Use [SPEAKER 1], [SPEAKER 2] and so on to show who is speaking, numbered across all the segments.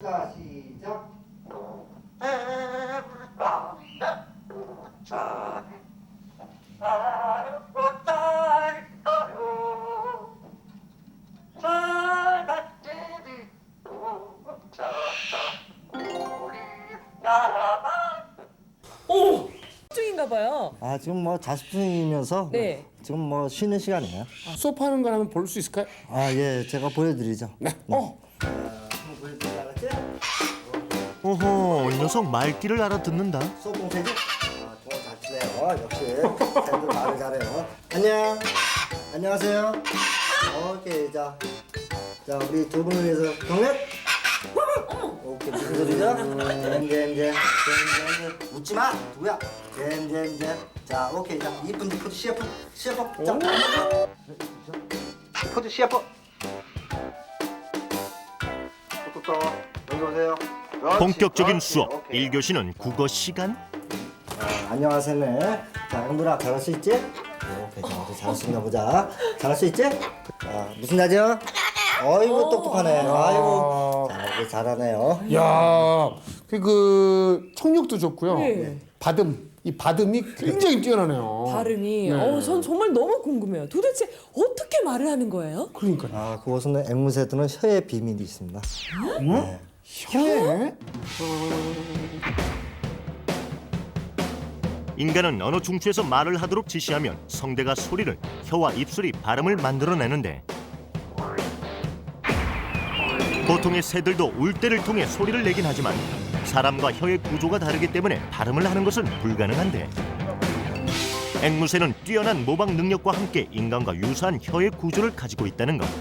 [SPEAKER 1] 자, 시작.
[SPEAKER 2] 오! 중인가 봐요.
[SPEAKER 1] 아, 지금 뭐 자습 중이면서
[SPEAKER 2] 네.
[SPEAKER 1] 지금 뭐 쉬는 시간이에요.
[SPEAKER 3] 수업하는 걸 한번 볼 수 있을까요?
[SPEAKER 1] 아, 예, 제가 보여드리죠.
[SPEAKER 3] 네.
[SPEAKER 1] 한번 보여드리지 알았지?
[SPEAKER 4] 오호, 이 녀석 말귀를 알아듣는다.
[SPEAKER 1] 수업 공세지? 아, 정말 잘 치네요. 역시 쌤들 말을 잘해요. 안녕. 안녕하세요. 오케이, 자, 우리 두 분을 위해서 경례. 오케이, 무슨 소리죠? 잼. 웃지 마, 누구야? 잼. 자, 오케이, 자, 이쁜 포즈 CF. 자, 포즈 CF. 또, 여기 오세요. 그렇지,
[SPEAKER 4] 본격적인
[SPEAKER 1] 그렇지,
[SPEAKER 4] 수업,
[SPEAKER 1] 오케이.
[SPEAKER 4] 1교시는 국어 시간.
[SPEAKER 1] 안녕하세요. 자, 형들아, 잘할 수 있지? 오케이, 자, 우리 잘할 수 있나 보자. 잘할 수 있지? 자, 무슨 날이야? 어이구, 똑똑하네. 아이고, 자, 우리 잘하네요.
[SPEAKER 3] 야, 그 청력도 좋고요.
[SPEAKER 2] 네.
[SPEAKER 3] 이 받음이 굉장히 뛰어나네요.
[SPEAKER 2] 발음이
[SPEAKER 3] 네.
[SPEAKER 2] 전 정말 너무 궁금해요. 도대체 어떻게 말을 하는 거예요?
[SPEAKER 3] 그러니까
[SPEAKER 1] 아, 그곳은 앵무새들은 혀의 비밀이 있습니다. 네.
[SPEAKER 3] 혀에
[SPEAKER 4] 인간은 언어 중추에서 말을 하도록 지시하면 성대가 소리를, 혀와 입술이 발음을 만들어내는데 보통의 새들도 울대를 통해 소리를 내긴 하지만 사람과 혀의 구조가 다르기 때문에 발음을 하는 것은 불가능한데 앵무새는 뛰어난 모방 능력과 함께 인간과 유사한 혀의 구조를 가지고 있다는 것.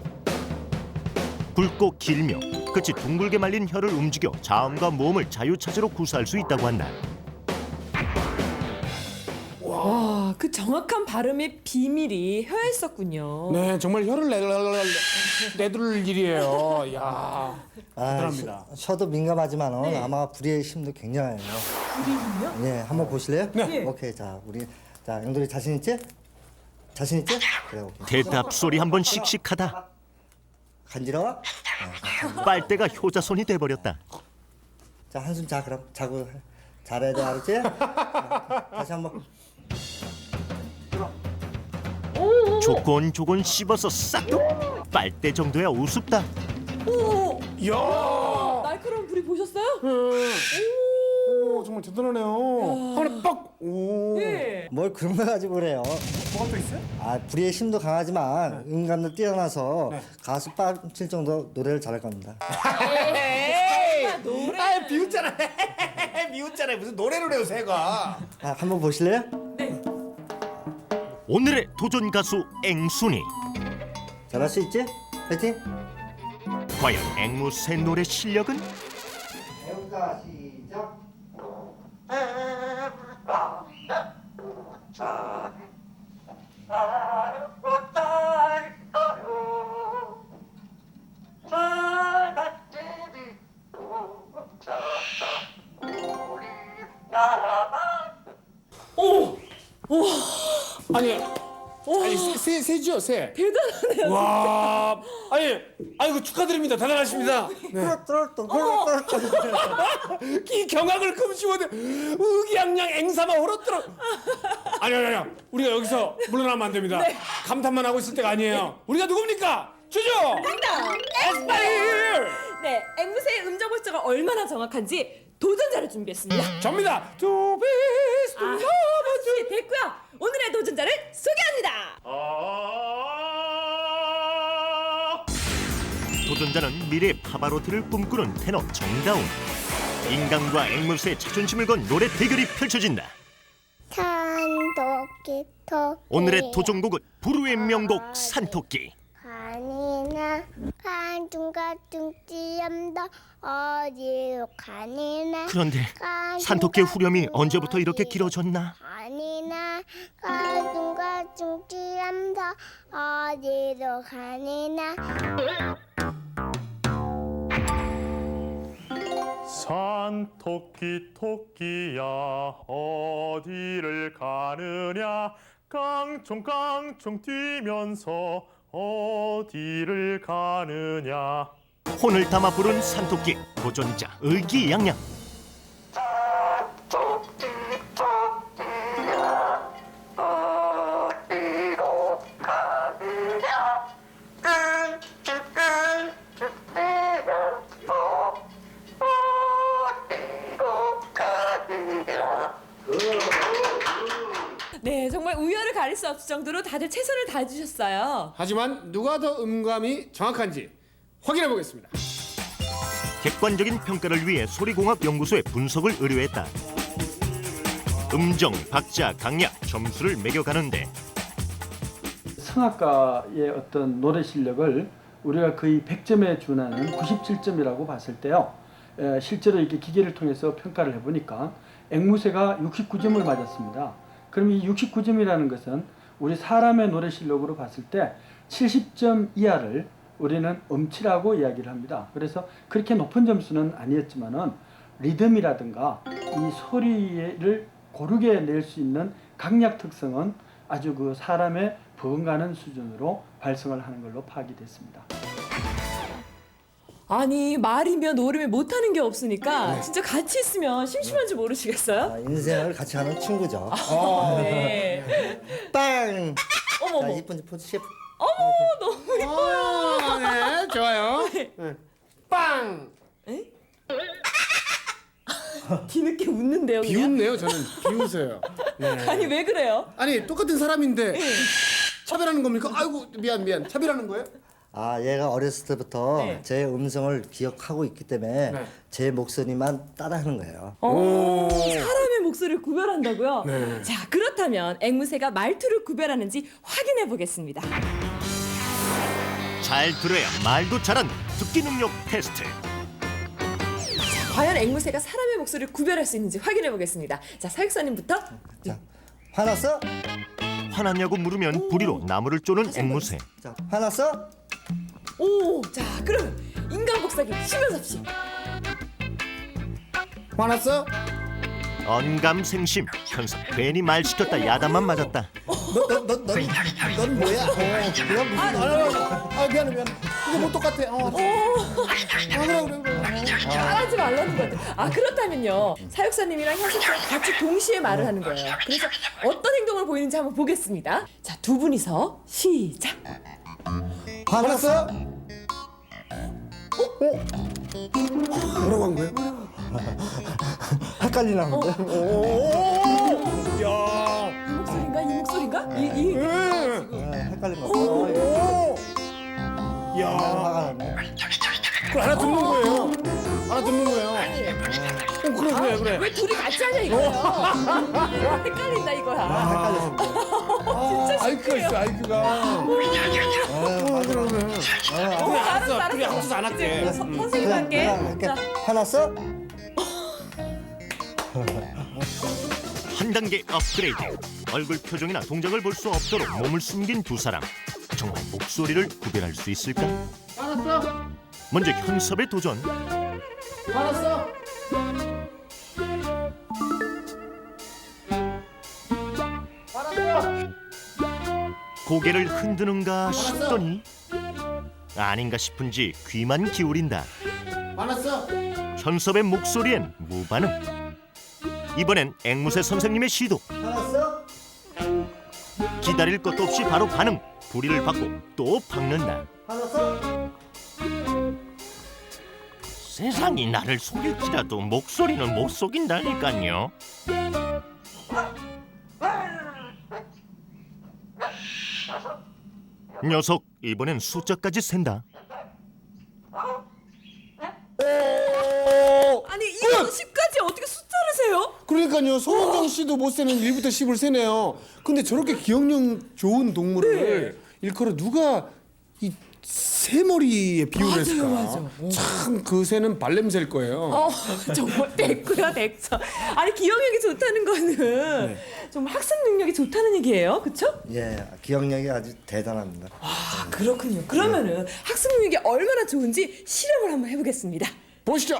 [SPEAKER 4] 굵고 길며 끝이 둥글게 말린 혀를 움직여 자음과 모음을 자유차지로 구사할 수 있다고 한다.
[SPEAKER 2] 와, 그 정확한 발음의 비밀이 혀에 있었군요.
[SPEAKER 3] 네 정말 혀를 내둘 일이에요. 야
[SPEAKER 1] 아,
[SPEAKER 3] 대단합니다.
[SPEAKER 1] 혀도 민감하지만
[SPEAKER 2] 네.
[SPEAKER 1] 아마 불의의 힘도 굉장해요.
[SPEAKER 2] 불이군요?
[SPEAKER 1] 네, 한번 보실래요?
[SPEAKER 2] 네.
[SPEAKER 1] 오케이, 자, 앵돌이 자신 있지? 자신 있지? 그래, 오케이.
[SPEAKER 4] 대답 소리 한번 씩씩하다.
[SPEAKER 1] 간지러워?
[SPEAKER 4] 빨대가 효자손이 돼버렸다.
[SPEAKER 1] 자, 한숨 자, 그럼 자고 잘해야 돼, 알았지? 자, 다시 한번.
[SPEAKER 4] 조곤조곤 씹어서 싹둑. 빨대 정도야 우습다.
[SPEAKER 2] 오!
[SPEAKER 3] 야
[SPEAKER 2] 날카로운 불이 보셨어요?
[SPEAKER 3] 오, 정말 대단하네요. 하나 빡. 오.
[SPEAKER 2] 네.
[SPEAKER 1] 뭘 그런 거 가지고 그래요?
[SPEAKER 3] 뭐가 또 있어요?
[SPEAKER 1] 아, 불의의 힘도 강하지만 인간도 뛰어나서
[SPEAKER 3] 네.
[SPEAKER 1] 가수 빠칠 정도 노래를 잘할 겁니다.
[SPEAKER 3] 에이,
[SPEAKER 2] 노래.
[SPEAKER 3] 아 비웃잖아. 비웃잖아요. 무슨 노래를 해요, 새가.
[SPEAKER 1] 아, 한번 보실래요?
[SPEAKER 2] 네.
[SPEAKER 4] 오늘의 도전 가수 앵순이.
[SPEAKER 1] 잘할 수 있지? 파이팅!
[SPEAKER 4] 과연 앵무새 노래 실력은?
[SPEAKER 1] 해볼까? 시작!
[SPEAKER 2] 오!
[SPEAKER 3] 아니 새죠, 새.
[SPEAKER 2] 대단하네요.
[SPEAKER 3] 와, 아이고 축하드립니다. 대단하십니다. 네. 이 경악을 금치 못해. 의기양양 앵사마 홀었더라. 아니, 우리가 여기서 물러나면 안 됩니다. 감탄만 하고 있을 때가 아니에요. 우리가 누굽니까? 주죠.
[SPEAKER 2] 정답!
[SPEAKER 3] 에스파일.
[SPEAKER 2] 네, 앵무새의 음정 벌써가 얼마나 정확한지 도전자를 준비했습니다.
[SPEAKER 3] 접니다. To be
[SPEAKER 2] 아, 네, 됐고요. 오늘의 도전자를 소개합니다.
[SPEAKER 4] 도전자는 미래 파바로티를 꿈꾸는 테너 정다운. 인간과 앵무새의 자존심을 건 노래 대결이 펼쳐진다.
[SPEAKER 5] 산토끼 토끼
[SPEAKER 4] 오늘의 도전곡은 부르의 명곡 산토끼.
[SPEAKER 5] 가니나 간중간중 찌엄다 어디로 가니나
[SPEAKER 4] 그런데 산토끼의 후렴이 언제부터 이렇게 길어졌나?
[SPEAKER 5] 가니나 간중간중 찌엄다 어디로 가니나
[SPEAKER 6] 산토끼 토끼야 어디를 가느냐 깡총깡총 뛰면서 어디를 가느냐
[SPEAKER 4] 혼을 담아 부른 산토끼 도전자 의기양양.
[SPEAKER 2] 네, 정말 우열을 가릴 수 없을 정도로 다들 최선을 다해주셨어요.
[SPEAKER 3] 하지만 누가 더 음감이 정확한지 확인해 보겠습니다.
[SPEAKER 4] 객관적인 평가를 위해 소리공학연구소에 분석을 의뢰했다. 음정, 박자, 강약, 점수를 매겨가는데
[SPEAKER 7] 성악가의 어떤 노래 실력을 우리가 거의 100점에 준하는 97점이라고 봤을 때요. 실제로 이렇게 기계를 통해서 평가를 해보니까 앵무새가 69점을 맞았습니다. 그럼 이 69점이라는 것은 우리 사람의 노래 실력으로 봤을 때 70점 이하를 우리는 음치라고 이야기를 합니다. 그래서 그렇게 높은 점수는 아니었지만은 리듬이라든가 이 소리를 고르게 낼 수 있는 강약 특성은 아주 그 사람의 버금가는 수준으로 발성을 하는 걸로 파악이 됐습니다.
[SPEAKER 2] 아니 말이며 노름에 못하는 게 없으니까 진짜 같이 있으면 심심한지 모르시겠어요?
[SPEAKER 1] 아, 인생을 같이 하는 친구죠.
[SPEAKER 2] 네.
[SPEAKER 1] 빵!
[SPEAKER 2] 어머,
[SPEAKER 1] 자,
[SPEAKER 2] 어머.
[SPEAKER 1] 이쁜 포즈 셰프.
[SPEAKER 2] 너무 예뻐요.
[SPEAKER 3] 네, 좋아요. 네. 빵!
[SPEAKER 2] 에? 뒤늦게 웃는데요, 그냥?
[SPEAKER 3] 비웃네요, 저는. 비웃어요. 네.
[SPEAKER 2] 아니 왜 그래요?
[SPEAKER 3] 아니, 똑같은 사람인데 차별하는 겁니까? 아이고, 미안. 차별하는 거예요?
[SPEAKER 1] 아, 얘가 어렸을 때부터
[SPEAKER 2] 네.
[SPEAKER 1] 제 음성을 기억하고 있기 때문에
[SPEAKER 3] 네.
[SPEAKER 1] 제 목소리만 따라하는 거예요.
[SPEAKER 2] 사람의 목소리를 구별한다고요?
[SPEAKER 3] 네.
[SPEAKER 2] 자, 그렇다면 앵무새가 말투를 구별하는지 확인해 보겠습니다.
[SPEAKER 4] 잘 들어야 말도 잘한 듣기 능력 테스트.
[SPEAKER 2] 과연 앵무새가 사람의 목소리를 구별할 수 있는지 확인해 보겠습니다. 자, 사육사님부터.
[SPEAKER 1] 자, 화났어?
[SPEAKER 4] 화났냐고 물으면 부리로 나무를 쪼는 앵무새.
[SPEAKER 1] 자, 화났어?
[SPEAKER 2] 오, 자, 그럼 인간 복사기 시면섭씨.
[SPEAKER 3] 화났어?
[SPEAKER 4] 언감생심. 현석 괜히 말 시켰다 야단만 맞았다.
[SPEAKER 1] 넌 뭐야? 그럼
[SPEAKER 3] 미안해. 이거 뭐 똑같아. 그래.
[SPEAKER 2] 하지 말라는 것 같아요. 아, 그렇다면요. 사육사님이랑 현석씨랑 같이 동시에 말을 하는 거예요. 그래서 어떤 행동을 보이는지 한번 보겠습니다. 자, 두 분이서 시작.
[SPEAKER 1] 화났어?
[SPEAKER 3] 뭐라고 한 거예요?
[SPEAKER 1] 헷갈리나 본데?
[SPEAKER 3] 야.
[SPEAKER 2] 이 목소리인가? 이
[SPEAKER 1] 헷갈린 거 같아.
[SPEAKER 3] 야.
[SPEAKER 1] 화가 났네.
[SPEAKER 3] 그걸 알아듣는 거예요. 그래.
[SPEAKER 2] 왜 둘이 같이 하냐 이거예요. 헷갈린다 이거야.
[SPEAKER 1] 헷갈렸습니다.
[SPEAKER 3] 아이큐가 있어, 아이큐가.
[SPEAKER 2] 알았어.
[SPEAKER 3] 둘이 합쳐서 안 할게.
[SPEAKER 2] 이제 선생님 할게. 자,
[SPEAKER 1] 화났어?
[SPEAKER 4] 한 단계 업그레이드. 얼굴 표정이나 동작을 볼 수 없도록 몸을 숨긴 두 사람. 정말 목소리를 구별할 수 있을까?
[SPEAKER 3] 알았어.
[SPEAKER 4] 먼저 현섭의 도전.
[SPEAKER 3] 알았어.
[SPEAKER 4] 고개를 흔드는가 싶더니 아닌가 싶은지 귀만 기울인다.
[SPEAKER 3] 알았어.
[SPEAKER 4] 현섭의 목소리엔 무반응. 이번엔 앵무새 선생님의 시도.
[SPEAKER 1] 화났어?
[SPEAKER 4] 기다릴 것도 없이 바로 반응. 부리를 받고 또 박는다.
[SPEAKER 1] 화났어?
[SPEAKER 4] 세상이 나를 속일지라도 목소리는 못 속인다니까요. 녀석 이번엔 숫자까지 센다.
[SPEAKER 2] 아니 이거 10까지 어떻게 숫자를 세요?
[SPEAKER 3] 그러니까요. 소은정 씨도 못 세는 1부터 10을 세네요. 근데 저렇게 기억력 좋은 동물을 일컬어 누가 이 새머리에 비유를 했을까?
[SPEAKER 2] 맞아.
[SPEAKER 3] 참 그 새는 발냄새일 거예요.
[SPEAKER 2] 정말 됐고요, 됐죠. 아니 기억력이 좋다는 거는 정말 학습 능력이 좋다는 얘기예요, 그렇죠?
[SPEAKER 1] 예, 기억력이 아주 대단합니다.
[SPEAKER 2] 아, 그렇군요. 그러면은 학습 능력이 얼마나 좋은지 실험을 한번 해보겠습니다.
[SPEAKER 3] 보시죠.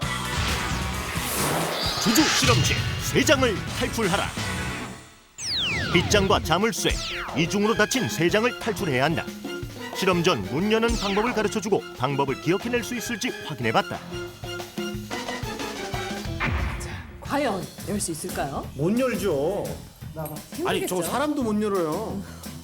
[SPEAKER 4] 주주 실험실 3장을 탈출하라. 빗장과 자물쇠, 이중으로 닫힌 3장을 탈출해야 한다. 실험 전 문 여는 방법을 가르쳐주고 방법을 기억해낼 수 있을지 확인해봤다.
[SPEAKER 2] 과연 열 수 있을까요?
[SPEAKER 3] 못 열죠. 아니 저
[SPEAKER 2] 힘들겠죠?
[SPEAKER 3] 사람도 못 열어요.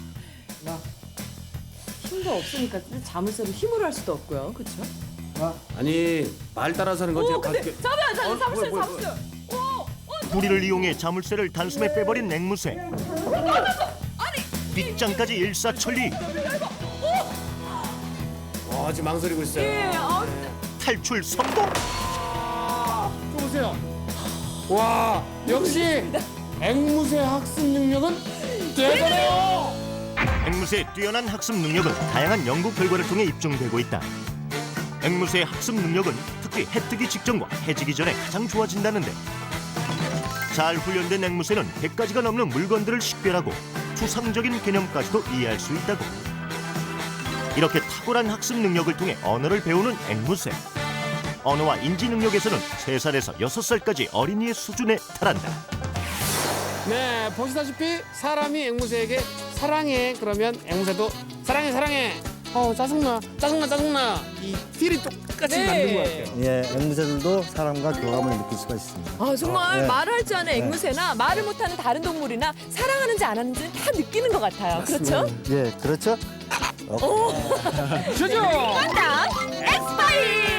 [SPEAKER 2] 힘도 없으니까 자물쇠로 힘으로 할 수도 없고요. 그렇죠?
[SPEAKER 3] 아니 말 따라서 하는 건
[SPEAKER 2] 오,
[SPEAKER 3] 제가
[SPEAKER 2] 근데
[SPEAKER 3] 가르쳐.
[SPEAKER 2] 잠깐만, 자물쇠,
[SPEAKER 3] 뭐야.
[SPEAKER 2] 자물쇠.
[SPEAKER 4] 구리를 이용해 자물쇠를 단숨에 빼버린 앵무새. 빗장까지 일사천리.
[SPEAKER 3] 와 지금 망설이고 있어요.
[SPEAKER 2] 예,
[SPEAKER 4] 탈출 성공.
[SPEAKER 3] 좀 보세요. 와 역시 앵무새 학습 능력은 대단해요.
[SPEAKER 4] 앵무새의 뛰어난 학습 능력은 다양한 연구 결과를 통해 입증되고 있다. 앵무새의 학습 능력은 특히 해 뜨기 직전과 해지기 전에 가장 좋아진다는데, 잘 훈련된 앵무새는 100가지가 넘는 물건들을 식별하고 추상적인 개념까지도 이해할 수 있다고. 이렇게 탁월한 학습 능력을 통해 언어를 배우는 앵무새. 언어와 인지 능력에서는 3살에서 6살까지 어린이의 수준에 달한다.
[SPEAKER 3] 네 보시다시피 사람이 앵무새에게 사랑해 그러면 앵무새도 사랑해. 짜증나 이 필이 똑같이
[SPEAKER 2] 네.
[SPEAKER 3] 맞는 것 같아요.
[SPEAKER 1] 예, 앵무새들도 사람과 교감을 느낄 수가 있습니다.
[SPEAKER 2] 아, 정말
[SPEAKER 1] 네.
[SPEAKER 2] 말을 할 줄 아는 앵무새나 말을 못하는 다른 동물이나 사랑하는지 안 하는지 다 느끼는 것 같아요. 그렇죠?
[SPEAKER 1] 예, 그렇죠.
[SPEAKER 3] 그죠?
[SPEAKER 2] 정답 엑스파일.